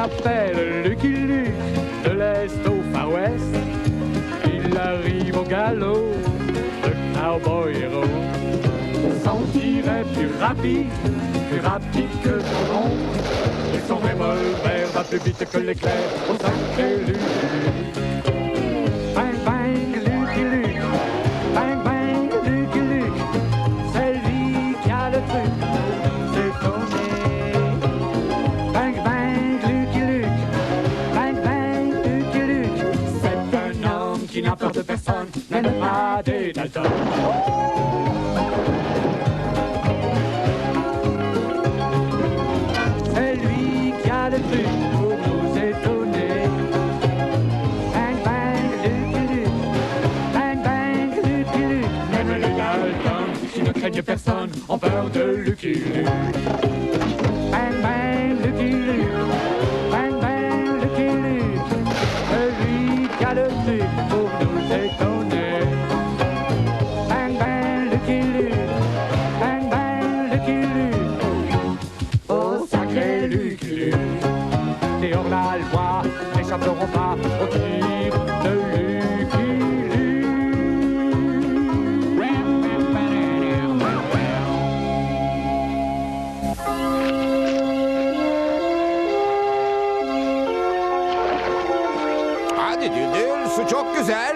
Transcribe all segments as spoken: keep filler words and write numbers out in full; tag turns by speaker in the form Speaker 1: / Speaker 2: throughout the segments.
Speaker 1: s'appelle Lucky Luke, de l'Est au Far West. Il arrive au galop, le cowboy héros. Son tir est plus rapide, plus rapide que son nom. Et son revolver va plus vite que l'éclair au sacré Lucky. Bang bang Lucky Luke, bang bang Lucky Luke, c'est lui qui a le truc, c'est tourné. Bang bang Lucky Luke, bang bang Lucky Luke, c'est un homme qui n'a peur de personne, même pas des Dalton. C'est lui qui a le truc pour nous étonner. Bang bang Lucky Luke, bang bang Lucky Luke, même les Dalton qui ne craignent personne ont peur de Lucky Luke. Bang bang Lucky Luke, bang bang Lucky Luke, c'est lui qui a le truc pour nous étonner. Bang bang Lucky Luke, bang bang Lucky Luke, oh sacré Lucky Luke. Et hors la loi n'échapperont pas au tir de Lucky Luke.
Speaker 2: Hadi Düldül, su çok güzel.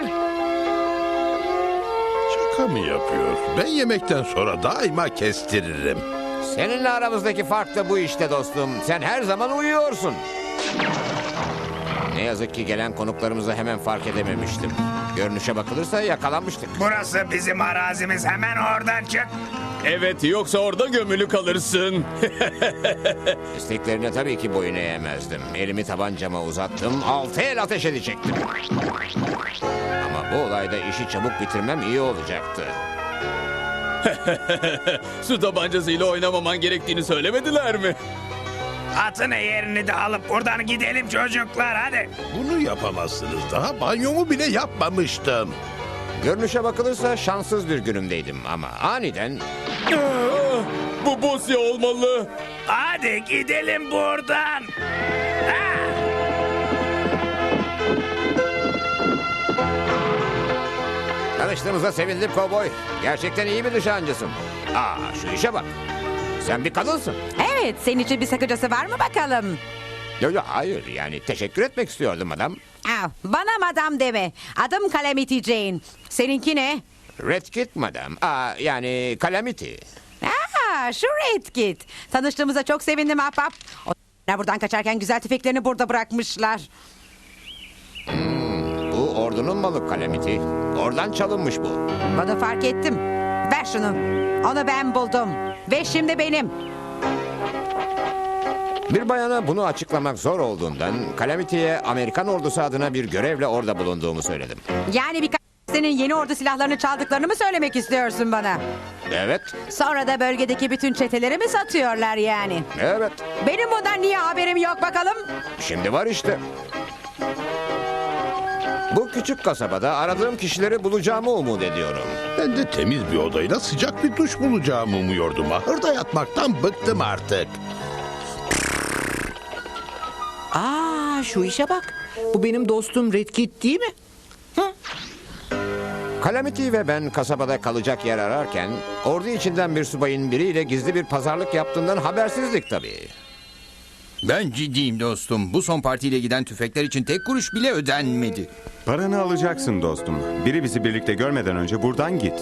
Speaker 3: Şaka mı yapıyor? Ben yemekten sonra daima kestiririm.
Speaker 2: Seninle aramızdaki fark da bu işte dostum. Sen her zaman uyuyorsun. Ne yazık ki gelen konuklarımızı hemen fark edememiştim. Görünüşe bakılırsa yakalanmıştık.
Speaker 4: Burası bizim arazimiz. Hemen oradan çık.
Speaker 5: Evet, yoksa orada gömülü kalırsın.
Speaker 2: İsteklerine tabii ki boyun eğemezdim. Elimi tabancama uzattım, altı el ateş edecektim. Ama bu olayda işi çabuk bitirmem iyi olacaktı.
Speaker 5: Su tabancasıyla oynamaman gerektiğini söylemediler mi?
Speaker 4: Atını yerini de alıp buradan gidelim çocuklar hadi.
Speaker 3: Bunu yapamazsınız. Daha banyomu bile yapmamıştım.
Speaker 2: Görünüşe bakılırsa şanssız bir günümdeydim ama aniden...
Speaker 5: Aa, bu Bosya olmalı.
Speaker 4: Hadi gidelim buradan. Ha!
Speaker 2: Tanıştığımıza sevindim kovboy. Gerçekten iyi bir nişancısın. Aa, şu işe bak. Sen bir kadınsın.
Speaker 6: Evet, senin için bir sakıncası var mı bakalım?
Speaker 2: Yo, yo, hayır yani teşekkür etmek istiyordum adam.
Speaker 6: Aa, bana madam deme. Adım Calamity Jane. Seninki ne?
Speaker 2: Red Kit madam. Aa, yani Calamity.
Speaker 6: Aa, şu Red Kit. Tanıştığımıza çok sevindim ahbap. Onlar buradan kaçarken güzel tüfeklerini burada bırakmışlar.
Speaker 2: Bu ordunun malı Calamity. Oradan çalınmış bu.
Speaker 6: Bunu fark ettim. Ver şunu. Onu ben buldum. Ve şimdi benim.
Speaker 2: Bir bayana bunu açıklamak zor olduğundan Calamity'ye Amerikan ordusu adına bir görevle orada bulunduğumu söyledim.
Speaker 6: Yani birkaç senin yeni ordu silahlarını çaldıklarını mı söylemek istiyorsun bana?
Speaker 2: Evet,
Speaker 6: Sonra da bölgedeki bütün çeteleri mi satıyorlar yani?
Speaker 2: evet.
Speaker 6: Benim bundan niye haberim yok bakalım?
Speaker 2: Şimdi var işte. Bu küçük kasabada aradığım kişileri bulacağımı umut ediyorum.
Speaker 3: Ben de temiz bir odayla sıcak bir duş bulacağımı umuyordum. Ahırda yatmaktan bıktım artık.
Speaker 7: Aa, şu işe bak. Bu benim dostum Red Kit değil mi?
Speaker 2: Calamity ve ben kasabada kalacak yer ararken ordu içinden bir subayın biriyle gizli bir pazarlık yaptığından habersizlik tabii.
Speaker 8: Ben ciddiyim dostum. Bu son partiyle giden tüfekler için tek kuruş bile ödenmedi.
Speaker 9: Paranı alacaksın dostum. Biri bizi birlikte görmeden önce buradan git.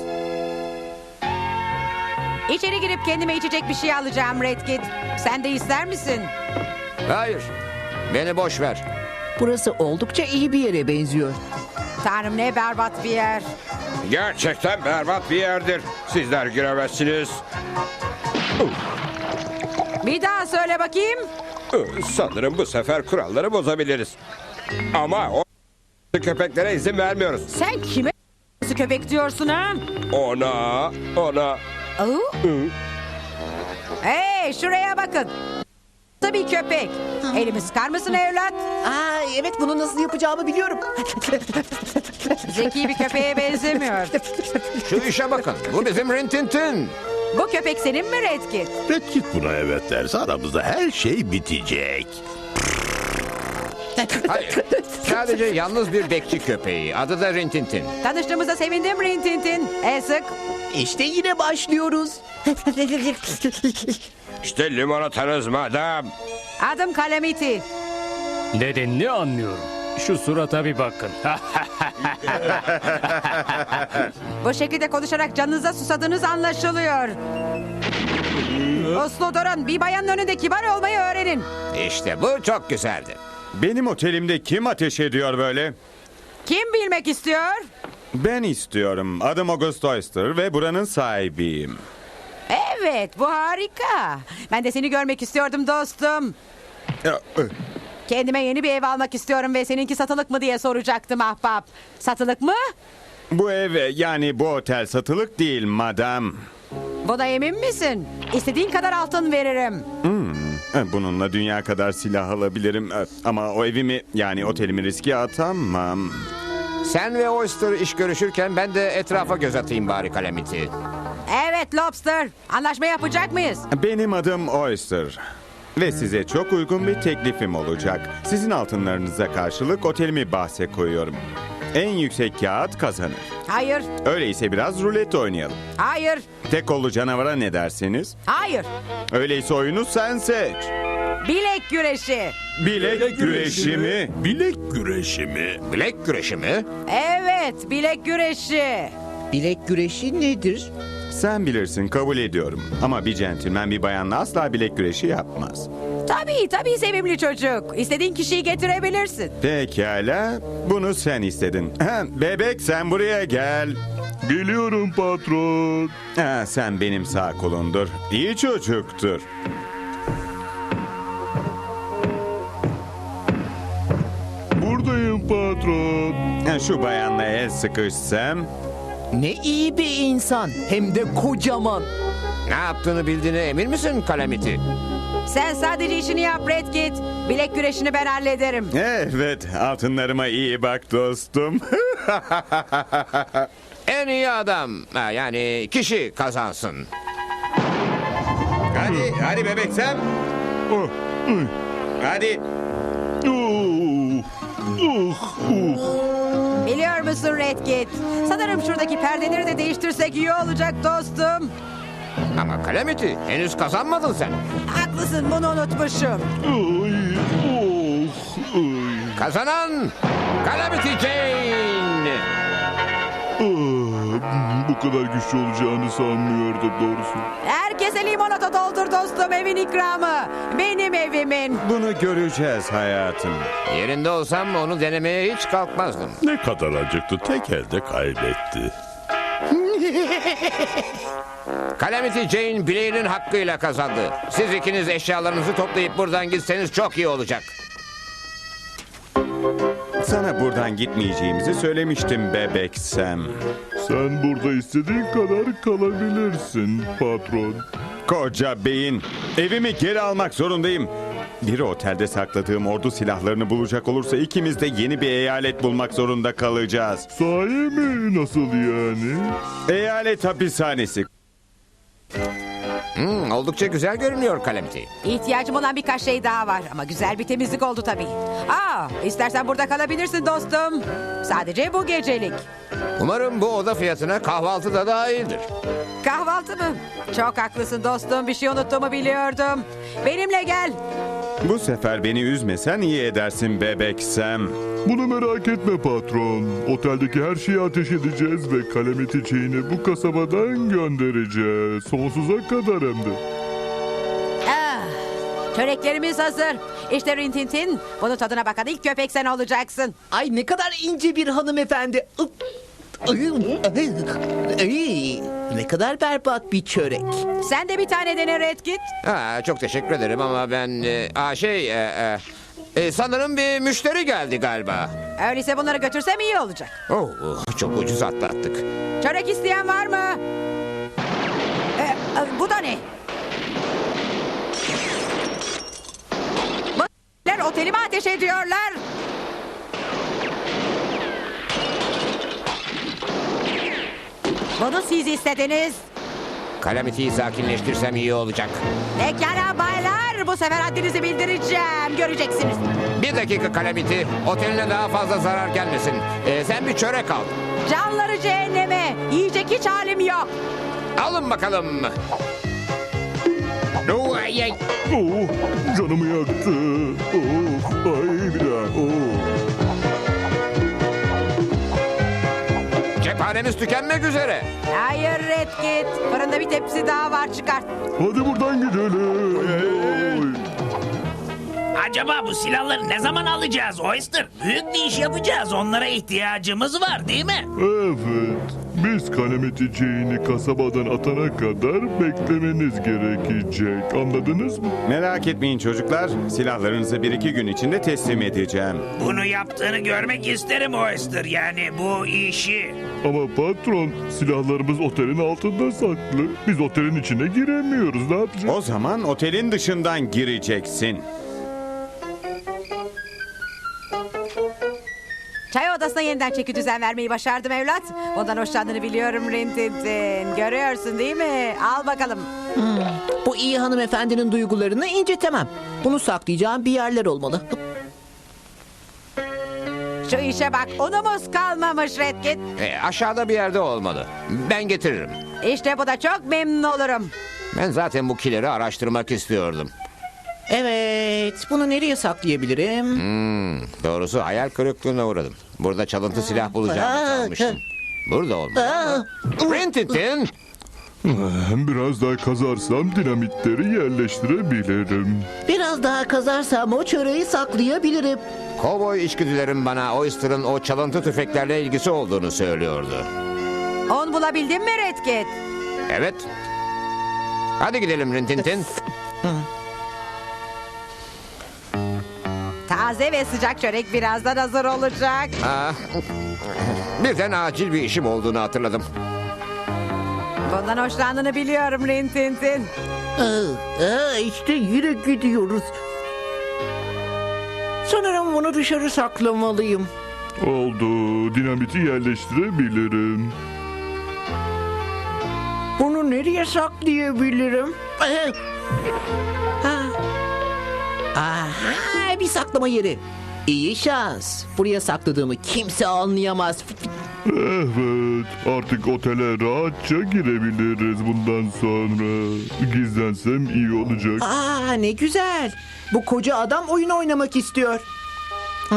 Speaker 6: İçeri girip kendime içecek bir şey alacağım Red Kit. Sen de ister misin?
Speaker 2: Hayır, beni boş ver.
Speaker 7: Burası oldukça iyi bir yere benziyor.
Speaker 6: Tanrım ne berbat bir yer.
Speaker 10: Gerçekten berbat bir yerdir. Sizler giremezsiniz.
Speaker 6: Bir daha söyle bakayım.
Speaker 10: Sanırım bu sefer kuralları bozabiliriz. Ama o köpeklere izin vermiyoruz.
Speaker 6: Sen kime köpek diyorsun ha?
Speaker 10: Ona, ona.
Speaker 6: Oo? Hey şuraya bakın. Tabii köpek. Elimi sıkar mısın evlat?
Speaker 7: Aa, evet, bunu nasıl yapacağımı biliyorum.
Speaker 6: Zeki bir köpeğe benzemiyor.
Speaker 2: Şu işe bakın. Bu bizim Rintintin.
Speaker 6: Bu köpek senin mi Red Kit?
Speaker 3: Red Kit buna evet derse aramızda her şey bitecek.
Speaker 2: Hayır. Sadece yalnız bir bekçi köpeği. Adı da Rintintin.
Speaker 6: Tanıştığımıza sevindim Rintintin. El sık.
Speaker 7: İşte yine başlıyoruz.
Speaker 10: İşte limonatanız madam.
Speaker 6: Adım Calamity.
Speaker 1: Nedenini anlıyorum. Şu surata bir bakın.
Speaker 6: Bu şekilde konuşarak canınıza susadığınız anlaşılıyor. Uslu durun. Bir bayanın önünde kibar olmayı öğrenin.
Speaker 2: İşte bu çok güzeldi.
Speaker 9: Benim otelimde kim ateş ediyor böyle?
Speaker 6: Kim bilmek istiyor?
Speaker 9: Ben istiyorum. Adım August Oyster ve buranın sahibiyim.
Speaker 6: Evet, bu harika. Ben de seni görmek istiyordum dostum.
Speaker 9: Ya, ı,
Speaker 6: Kendime yeni bir ev almak istiyorum ve seninki satılık mı diye soracaktım ahbap. Satılık mı?
Speaker 9: Bu ev yani bu otel satılık değil madam.
Speaker 6: Buna emin misin? İstediğin kadar altın veririm.
Speaker 9: E, Bununla dünya kadar silah alabilirim. E, Ama o evimi yani otelimi riske atamam.
Speaker 2: Sen ve Oyster iş görüşürken ben de etrafa göz atayım bari Calamity.
Speaker 6: Evet Lobster. Anlaşma yapacak mıyız?
Speaker 9: Benim adım Oyster. Ve size çok uygun bir teklifim olacak. Sizin altınlarınıza karşılık otelimi bahse koyuyorum. En yüksek kağıt kazanır.
Speaker 6: Hayır,
Speaker 9: Öyleyse biraz rulet oynayalım.
Speaker 6: hayır,
Speaker 9: Tek kollu canavara ne dersiniz?
Speaker 6: hayır.
Speaker 9: Öyleyse oyunu sen seç.
Speaker 6: Bilek güreşi.
Speaker 9: Bilek güreşi mi?
Speaker 3: Bilek güreşi mi?
Speaker 2: Bilek güreşi mi?
Speaker 6: Evet, bilek güreşi.
Speaker 7: Bilek güreşi nedir?
Speaker 9: Sen bilirsin, kabul ediyorum. Ama bir centilmen bir bayanla asla bilek güreşi yapmaz.
Speaker 6: Tabii, tabii sevimli çocuk. İstediğin kişiyi getirebilirsin.
Speaker 9: Pekala, bunu sen istedin. Ha, bebek sen buraya gel.
Speaker 3: Geliyorum patron.
Speaker 9: Ha, sen benim sağ kolumdur. İyi çocuktur.
Speaker 3: Buradayım patron.
Speaker 9: Ha, şu bayanla el sıkışsam.
Speaker 7: Ne iyi bir insan. Hem de kocaman.
Speaker 2: Ne yaptığını bildiğine emin misin Calamity?
Speaker 6: Sen sadece işini yap Redkit. Bilek güreşini ben hallederim.
Speaker 9: Evet, altınlarıma iyi bak dostum.
Speaker 2: En iyi adam, ha, yani kişi kazansın. Hadi, hadi bebek sen.
Speaker 3: Oh, ay,
Speaker 2: Hadi.
Speaker 3: oh, oh, oh.
Speaker 6: Biliyor musun Redkit? Sanırım şuradaki perdeleri de değiştirsek iyi olacak dostum.
Speaker 2: Ama Calamity, henüz kazanmadın sen.
Speaker 6: Haklısın, bunu unutmuşum.
Speaker 3: Ay, oh, ay.
Speaker 2: Kazanan Calamity Jane.
Speaker 3: Ah, bu kadar güçlü olacağını sanmıyordum doğrusu.
Speaker 6: Herkese limonata doldur dostum, evin ikramı. Benim evimin.
Speaker 9: Bunu göreceğiz hayatım.
Speaker 2: Yerinde olsam onu denemeye hiç kalkmazdım.
Speaker 3: Ne kadar acıktı, tek elde kaybetti.
Speaker 2: Calamity Jane bileğinin hakkıyla kazandı. Siz ikiniz eşyalarınızı toplayıp buradan gitseniz çok iyi olacak.
Speaker 9: Sana buradan gitmeyeceğimizi söylemiştim bebek Sam.
Speaker 3: Sen burada istediğin kadar kalabilirsin patron.
Speaker 9: Koca beyin. Evimi geri almak zorundayım. Biri otelde sakladığım ordu silahlarını bulacak olursa ikimiz de yeni bir eyalet bulmak zorunda kalacağız.
Speaker 3: Sahi mi? Nasıl yani?
Speaker 9: Eyalet hapishanesi.
Speaker 2: Hmm, oldukça güzel görünüyor Calamity.
Speaker 6: İhtiyacım olan birkaç şey daha var ama güzel bir temizlik oldu tabii. Aa, istersen burada kalabilirsin dostum. Sadece bu gecelik.
Speaker 2: Umarım bu oda fiyatına kahvaltı da dahildir.
Speaker 6: Kahvaltı mı? Çok haklısın dostum, bir şey unuttuğumu biliyordum. Benimle gel.
Speaker 9: Bu sefer beni üzmesen iyi edersin bebek Sam.
Speaker 3: Bunu merak etme patron. Oteldeki her şeyi ateş edeceğiz ve Calamity Jane'i bu kasabadan göndereceğiz. Sonsuza kadar hem de.
Speaker 6: Ah, çöreklerimiz hazır. İşte Rintintin. Bunun tadına bakan ilk köpek sen olacaksın.
Speaker 7: Ay ne kadar ince bir hanımefendi. Ay, ne kadar berbat bir çörek.
Speaker 6: Sen de bir tane dene Redkit.
Speaker 2: Ha, çok teşekkür ederim ama ben... E, aa, şey... E, e, e, sanırım bir müşteri geldi galiba.
Speaker 6: Öyleyse bunları götürsem iyi olacak.
Speaker 2: Oh, oh, çok ucuz atlattık.
Speaker 6: Çörek isteyen var mı? Ee, e, bu da ne? Bu otelime ateş ediyorlar. Bunu siz istediniz.
Speaker 2: Calamity'yi sakinleştirsem iyi olacak.
Speaker 6: Pekala baylar, bu bu sefer haddinizi bildireceğim. Göreceksiniz.
Speaker 2: Bir dakika Calamity. Oteline daha fazla zarar gelmesin. Ee, sen bir çörek al.
Speaker 6: Canları cehenneme. Yiyecek hiç halim yok.
Speaker 2: Alın bakalım. Oo, ay, ay.
Speaker 3: Oh, canımı yaktı. Oh, ay bir daha. Oh.
Speaker 2: Cephanemiz tükenmek üzere.
Speaker 6: Hayır Redkit. Fırında bir tepsi daha var, çıkart.
Speaker 3: Hadi buradan gidelim. Oy.
Speaker 4: Acaba bu silahları ne zaman alacağız Oyster? Büyük bir iş yapacağız. Onlara ihtiyacımız var değil mi?
Speaker 3: Evet. Biz Calamity Jane'i kasabadan atana kadar beklemeniz gerekecek. Anladınız mı?
Speaker 9: Merak etmeyin çocuklar. Silahlarınızı bir iki gün içinde teslim edeceğim.
Speaker 4: Bunu yaptığını görmek isterim Oyster. Yani bu işi.
Speaker 3: Ama patron, silahlarımız otelin altında saklı. Biz otelin içine giremiyoruz. Ne yapacağız?
Speaker 9: O zaman otelin dışından gireceksin.
Speaker 6: Çay odasına yeniden çeki düzen vermeyi başardım evlat. Ondan hoşlandığını biliyorum Rintintin. Görüyorsun değil mi? Al bakalım.
Speaker 7: Bu iyi hanımefendinin duygularını incitemem. Bunu saklayacağım bir yerler olmalı.
Speaker 6: Şu işe bak, unumuz kalmamış Redkit.
Speaker 2: Ee, aşağıda bir yerde olmalı. Ben getiririm.
Speaker 6: İşte bu da çok memnun olurum.
Speaker 2: Ben zaten bu kileri araştırmak istiyordum.
Speaker 7: Evet, bunu nereye saklayabilirim?
Speaker 2: Hmm, doğrusu hayal kırıklığına uğradım. Burada çalıntı silah bulacağımı sanmıştım. Burada olmalı. Rintintin.
Speaker 3: Biraz daha kazarsam dinamitleri yerleştirebilirim.
Speaker 7: Biraz daha kazarsam o çöreği saklayabilirim.
Speaker 2: Kovboy içgüdülerim bana Oyster'ın o çalıntı tüfeklerle ilgisi olduğunu söylüyordu.
Speaker 6: On bulabildin mi Redkit?
Speaker 2: Evet. Hadi gidelim Rintintin.
Speaker 6: Taze ve sıcak çörek birazdan hazır olacak.
Speaker 2: Ah, birden acil bir işim olduğunu hatırladım.
Speaker 6: Bundan hoşlandığını biliyorum Rintintin.
Speaker 7: Aa, aa, işte yine gidiyoruz. Sanırım bunu dışarı saklamalıyım.
Speaker 3: Oldu. Dinamiti yerleştirebilirim.
Speaker 7: Bunu nereye saklayabilirim? Ee, ha. Aha, bir saklama yeri. İyi şans. Buraya sakladığımı kimse anlayamaz.
Speaker 3: Evet. Artık otele rahatça girebiliriz bundan sonra. Gizlensem iyi olacak.
Speaker 7: Aa, ne güzel. Bu koca adam oyun oynamak istiyor. Hı?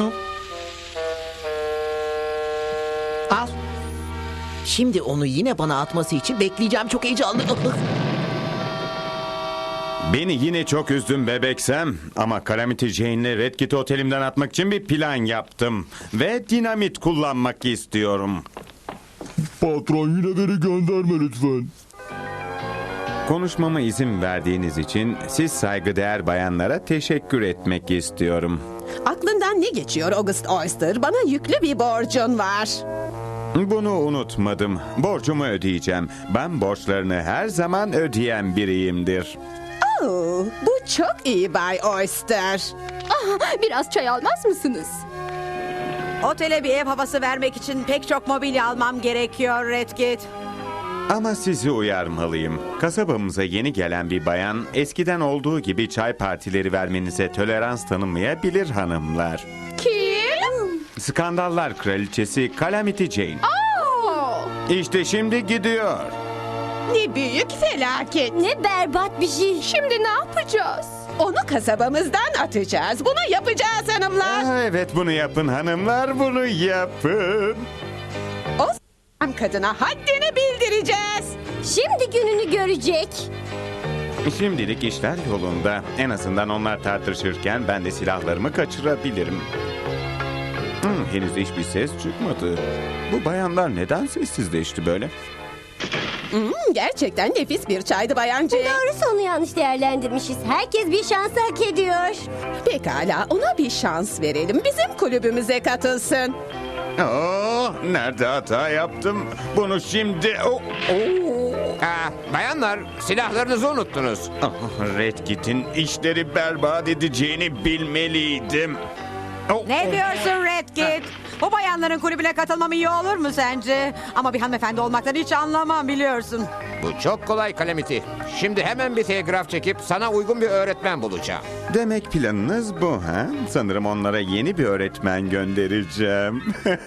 Speaker 7: Al. Şimdi onu yine bana atması için bekleyeceğim. Çok heyecanlı.
Speaker 9: Beni yine çok üzdün bebeksem ama Calamity Jane'le Redkit otelimden atmak için bir plan yaptım. Ve dinamit kullanmak istiyorum.
Speaker 3: Patron yine beni gönderme lütfen.
Speaker 9: Konuşmama izin verdiğiniz için siz saygıdeğer bayanlara teşekkür etmek istiyorum.
Speaker 11: Aklından ne geçiyor August Oyster? Bana yüklü bir borcun var.
Speaker 9: Bunu unutmadım. Borcumu ödeyeceğim. Ben borçlarını her zaman ödeyen biriyimdir.
Speaker 11: Oh, bu çok iyi Bay Oyster.
Speaker 12: Ah, biraz çay almaz mısınız?
Speaker 6: Otele bir ev havası vermek için pek çok mobilya almam gerekiyor Redkit.
Speaker 9: Ama sizi uyarmalıyım. Kasabamıza yeni gelen bir bayan eskiden olduğu gibi çay partileri vermenize tolerans tanımayabilir hanımlar.
Speaker 12: Kim?
Speaker 9: Skandallar kraliçesi Calamity Jane.
Speaker 12: Oh!
Speaker 9: İşte şimdi gidiyor.
Speaker 11: Ne büyük felaket.
Speaker 12: Ne berbat bir şey. Şimdi ne yapacağız?
Speaker 11: Onu kasabamızdan atacağız. Bunu yapacağız hanımlar.
Speaker 9: Aa, evet bunu yapın hanımlar, bunu yapın.
Speaker 11: O s*** kadına haddini bildireceğiz.
Speaker 12: Şimdi gününü görecek.
Speaker 9: Şimdilik işler yolunda. En azından onlar tartışırken ben de silahlarımı kaçırabilirim. Hmm, henüz hiçbir ses çıkmadı. Bu bayanlar neden sessizleşti böyle?
Speaker 11: Hmm, gerçekten nefis bir çaydı bayancı.
Speaker 12: Doğrusu onu yanlış değerlendirmişiz. Herkes bir şans hak ediyor.
Speaker 11: Pekala, ona bir şans verelim. Bizim kulübümüze katılsın.
Speaker 9: Oh, nerede hata yaptım? Bunu şimdi... Oh, oh.
Speaker 2: Aa, bayanlar, silahlarınızı unuttunuz.
Speaker 9: Ah, Redkit'in işleri berbat edeceğini bilmeliydim. Oh,
Speaker 6: Ne diyorsun Redkit? Bu bayanların kulübüne katılmam iyi olur mu sence? Ama bir hanımefendi olmaktan hiç anlamam biliyorsun.
Speaker 2: Bu çok kolay Calamity. Şimdi hemen bir telgraf çekip sana uygun bir öğretmen bulacağım.
Speaker 9: Demek planınız bu ha? Sanırım onlara yeni bir öğretmen göndereceğim.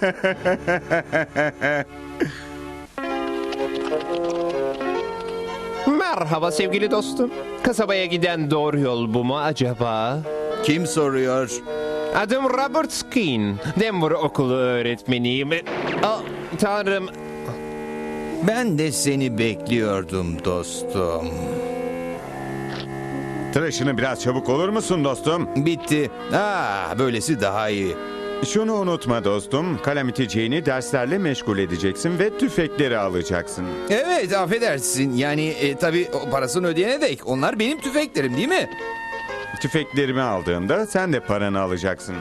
Speaker 13: Merhaba sevgili dostum. Kasabaya giden doğru yol bu mu acaba?
Speaker 8: Kim soruyor?
Speaker 13: Adım Robert Skin. Denver okulu öğretmeniyim. Aa, tanrım.
Speaker 8: Ben de seni bekliyordum dostum.
Speaker 9: Tıraşını biraz çabuk olur musun dostum?
Speaker 8: Bitti. Aa, böylesi daha iyi.
Speaker 9: Şunu unutma dostum. Calamity Jane'i derslerle meşgul edeceksin ve tüfekleri alacaksın.
Speaker 8: Evet, affedersin. Yani e, tabii o parasını ödeyene dek onlar benim tüfeklerim değil mi?
Speaker 9: Tüfeklerimi aldığında sen de paranı alacaksın.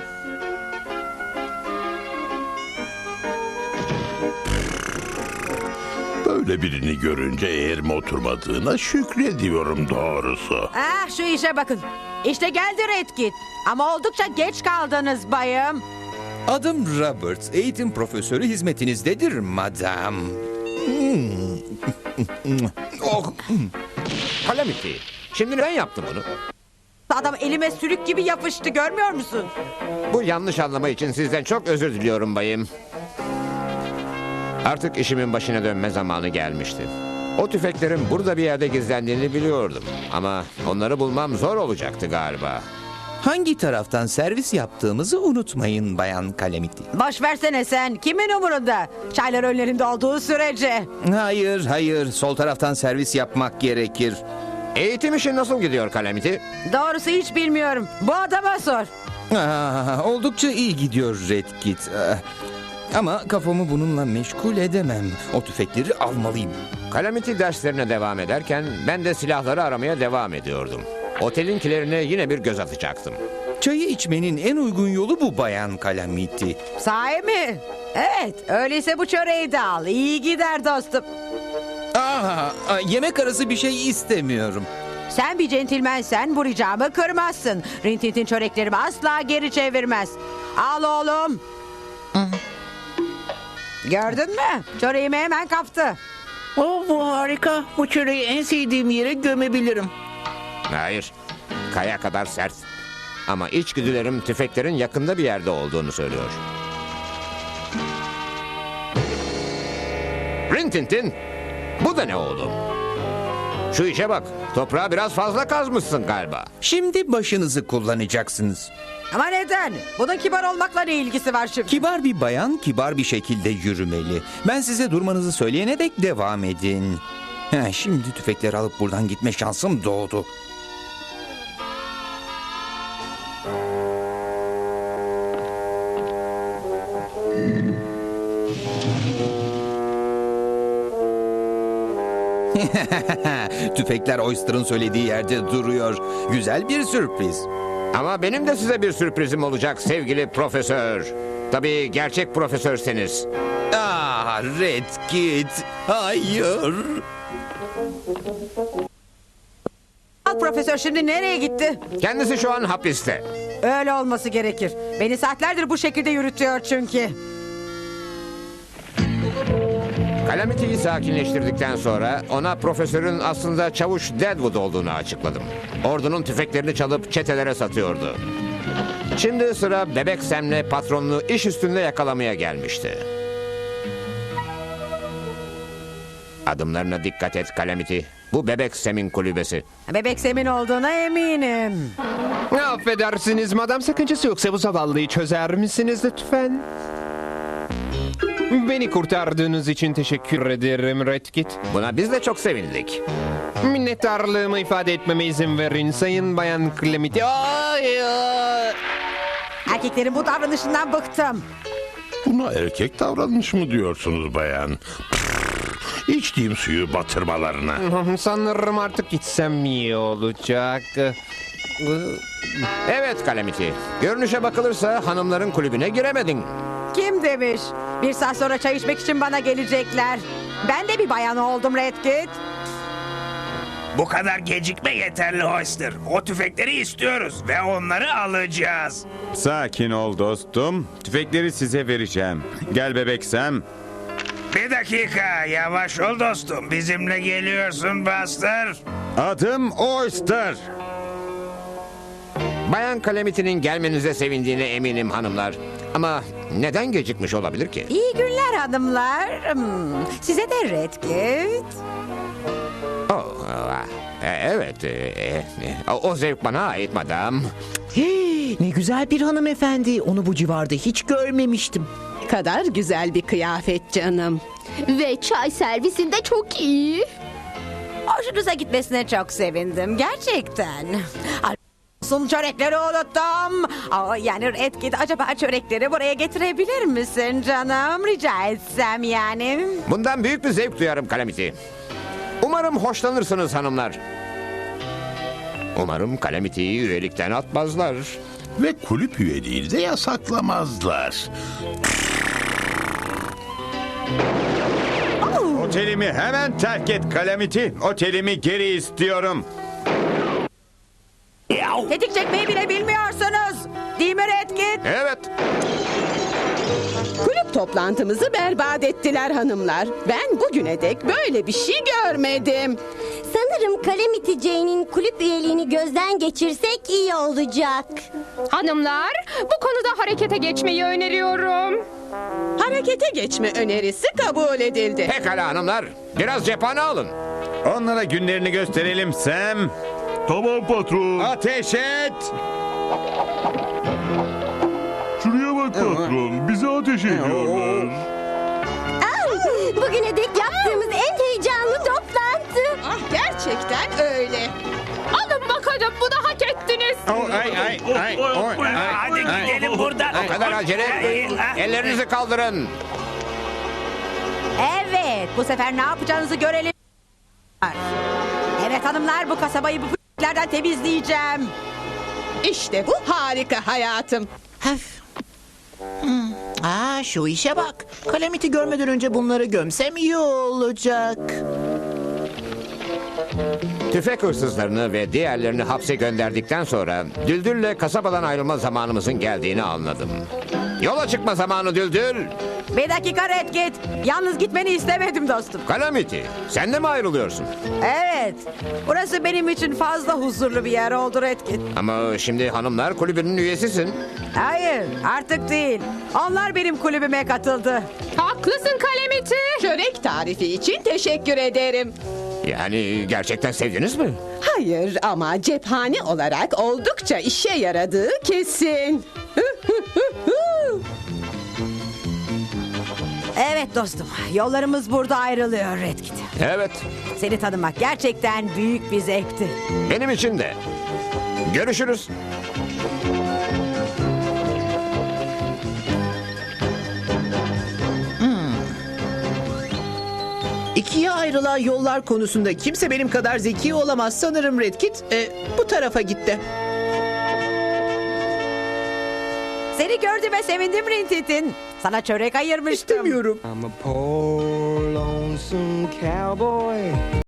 Speaker 14: Böyle birini görünce eğerime oturmadığına şükrediyorum doğrusu.
Speaker 6: Ah şu işe bakın. İşte geldi Redkit. Ama oldukça geç kaldınız bayım.
Speaker 8: Adım Robert. Eğitim profesörü hizmetinizdedir madam. Hmm.
Speaker 2: Oh. Calamity. Şimdi neden yaptın bunu?
Speaker 6: Adam elime sürük gibi yapıştı, görmüyor musun?
Speaker 2: Bu yanlış anlama için sizden çok özür diliyorum bayım. Artık işimin başına dönme zamanı gelmişti. O tüfeklerin burada bir yerde gizlendiğini biliyordum. Ama onları bulmam zor olacaktı galiba.
Speaker 8: Hangi taraftan servis yaptığımızı unutmayın Bayan Calamity.
Speaker 6: Boş versene sen. Kimin umurunda? Çaylar önlerinde olduğu sürece.
Speaker 8: Hayır, hayır. Sol taraftan servis yapmak gerekir.
Speaker 2: Eğitim işi nasıl gidiyor Calamity?
Speaker 6: Doğrusu hiç bilmiyorum. Bu adama sor.
Speaker 8: Aa, oldukça iyi gidiyor Redkit. Aa, ama kafamı bununla meşgul edemem. O tüfekleri almalıyım.
Speaker 2: Calamity derslerine devam ederken ben de silahları aramaya devam ediyordum. Otelinkilerine yine bir göz atacaktım.
Speaker 8: Çayı içmenin en uygun yolu bu Bayan Calamity.
Speaker 6: Sahi mi? Evet, öyleyse bu çöreği de al. İyi gider dostum.
Speaker 8: Aa, yemek arası bir şey istemiyorum.
Speaker 6: Sen bir centilmensen bu ricamı kırmazsın. Rintintin çöreklerimi asla geri çevirmez. Al oğlum. Gördün mü? Çöreğimi hemen kaptı.
Speaker 7: Oh, bu harika. Bu çöreği en sevdiğim yere gömebilirim.
Speaker 2: Hayır. Kaya kadar sert. Ama içgüdülerim tüfeklerin yakında bir yerde olduğunu söylüyor. Rintintin, bu da ne oğlum? Şu işe bak. Toprağı biraz fazla kazmışsın galiba.
Speaker 8: Şimdi başınızı kullanacaksınız.
Speaker 6: Ama neden? Bunun kibar olmakla ne ilgisi var şimdi?
Speaker 8: Kibar bir bayan kibar bir şekilde yürümeli. Ben size durmanızı söyleyene dek devam edin. Heh, şimdi tüfekleri alıp buradan gitme şansım doğdu. Tüfekler Oyster'ın söylediği yerde duruyor. Güzel bir sürpriz.
Speaker 2: Ama benim de size bir sürprizim olacak sevgili profesör. Tabii gerçek profesörseniz.
Speaker 8: Ah, Redkit. Hayır.
Speaker 6: Al profesör şimdi nereye gitti?
Speaker 2: Kendisi şu an hapiste.
Speaker 6: Öyle olması gerekir. Beni saatlerdir bu şekilde yürütüyor çünkü.
Speaker 2: Calamity'yi sakinleştirdikten sonra ona profesörün aslında çavuş Deadwood olduğunu açıkladım. Ordunun tüfeklerini çalıp çetelere satıyordu. Şimdi sıra Bebek Sam'le patronunu iş üstünde yakalamaya gelmişti. Adımlarına dikkat et Calamity. Bu Bebek Sam'in kulübesi.
Speaker 6: Bebek Sem'in olduğuna eminim.
Speaker 13: Affedersiniz madam, sakıncası yoksa bu zavallıyı çözer misiniz lütfen? Beni kurtardığınız için teşekkür ederim Redkit.
Speaker 2: Buna biz de çok sevindik.
Speaker 13: Minnettarlığımı ifade etmeme izin verin Sayın Bayan Calamity. Ay, ay.
Speaker 6: Erkeklerin bu davranışından bıktım.
Speaker 14: Buna erkek davranış mı diyorsunuz bayan? Pff, içtiğim suyu batırmalarına.
Speaker 13: Sanırım artık gitsem iyi olacak.
Speaker 2: Evet Calamity. Görünüşe bakılırsa hanımların kulübüne giremedin.
Speaker 6: Kim demiş? Bir saat sonra çay içmek için bana gelecekler. Ben de bir bayan oldum Redkit.
Speaker 4: Bu kadar gecikme yeterli Oyster. O tüfekleri istiyoruz ve onları alacağız.
Speaker 9: Sakin ol dostum. Tüfekleri size vereceğim. Gel Bebek Sam.
Speaker 4: Bir dakika yavaş ol dostum. Bizimle geliyorsun Buster.
Speaker 9: Adım Oyster.
Speaker 2: Bayan Calamity'nin gelmenize sevindiğine eminim hanımlar. Ama neden gecikmiş olabilir ki?
Speaker 6: İyi günler hanımlar. Hmm, size de Redkit.
Speaker 2: Oh, e, evet, e, e, o zevk bana ait madam.
Speaker 7: Hey, ne güzel bir hanımefendi. Onu bu civarda hiç görmemiştim.
Speaker 11: Kadar güzel bir kıyafet canım.
Speaker 12: Ve çay servisinde çok iyi.
Speaker 6: Hoşunuza gitmesine çok sevindim. Gerçekten. Sun çörekleri unuttum. Aa, yani Redkit acaba çörekleri buraya getirebilir misin canım? Rica etsem yani.
Speaker 2: Bundan büyük bir zevk duyarım Calamity. Umarım hoşlanırsınız hanımlar. Umarım Calamity'yi üyelikten atmazlar.
Speaker 14: Ve kulüp üyeliğini de yasaklamazlar.
Speaker 9: Otelimi hemen terk et Calamity. Otelimi geri istiyorum.
Speaker 6: Tetik çekmeyi bile bilmiyorsunuz. Değil mi Redkit?
Speaker 2: Evet.
Speaker 11: Kulüp toplantımızı berbat ettiler hanımlar. Ben bugüne dek böyle bir şey görmedim.
Speaker 12: Sanırım Calamity Jane'in kulüp üyeliğini gözden geçirsek iyi olacak.
Speaker 15: Hanımlar, bu konuda harekete geçmeyi öneriyorum.
Speaker 11: Harekete geçme önerisi kabul edildi.
Speaker 2: Pekala hanımlar. Biraz cephane alın.
Speaker 9: Onlara günlerini gösterelim Sam.
Speaker 3: Tamam patron.
Speaker 9: Ateş et.
Speaker 3: Şuraya bak patron. Bize ateş ediyorlar.
Speaker 12: Bugüne dek yaptığımız en heyecanlı toplantı.
Speaker 11: Ah, gerçekten öyle.
Speaker 15: Alın bakalım, bunu hak ettiniz.
Speaker 9: Oh, ay, ay, ay, oh, ay,
Speaker 4: Hadi
Speaker 9: ay.
Speaker 4: gidelim buradan.
Speaker 2: O kadar acele etmeyin. Ellerinizi kaldırın.
Speaker 6: Evet, bu sefer ne yapacağınızı görelim. Evet hanımlar, bu kasabayı bu p***lerden temizleyeceğim.
Speaker 11: İşte bu harika hayatım.
Speaker 7: Hmm. Aa, şu işe bak. Calamity görmeden önce bunları gömsem iyi olacak.
Speaker 2: Tüfek hırsızlarını ve diğerlerini hapse gönderdikten sonra Düldül'le kasabadan ayrılma zamanımızın geldiğini anladım. Yola çıkma zamanı Düldül.
Speaker 6: Bir dakika Redkit. Yalnız gitmeni istemedim dostum.
Speaker 2: Calamity, sen de mi ayrılıyorsun?
Speaker 6: Evet. Burası benim için fazla huzurlu bir yer oldu Redkit.
Speaker 2: Ama şimdi hanımlar kulübünün üyesisin.
Speaker 6: Hayır, artık değil. Onlar benim kulübüme katıldı.
Speaker 15: Haklısın Calamity.
Speaker 11: Çörek tarifi için teşekkür ederim.
Speaker 2: Yani gerçekten sevdiniz mi?
Speaker 11: Hayır ama cephane olarak oldukça işe yaradığı kesin.
Speaker 6: Evet dostum, yollarımız burada ayrılıyor Redkit.
Speaker 2: Evet,
Speaker 6: Seni tanımak gerçekten büyük bir zevkti.
Speaker 2: benim için de. Görüşürüz.
Speaker 7: İkiye ayrılan yollar konusunda kimse benim kadar zeki olamaz sanırım Redkit. E, bu tarafa gitti.
Speaker 6: Seni gördüğüme sevindim Rintintin. Sana çörek ayırmıştım.
Speaker 7: İstemiyorum.
Speaker 1: I'm a poor lonesome cowboy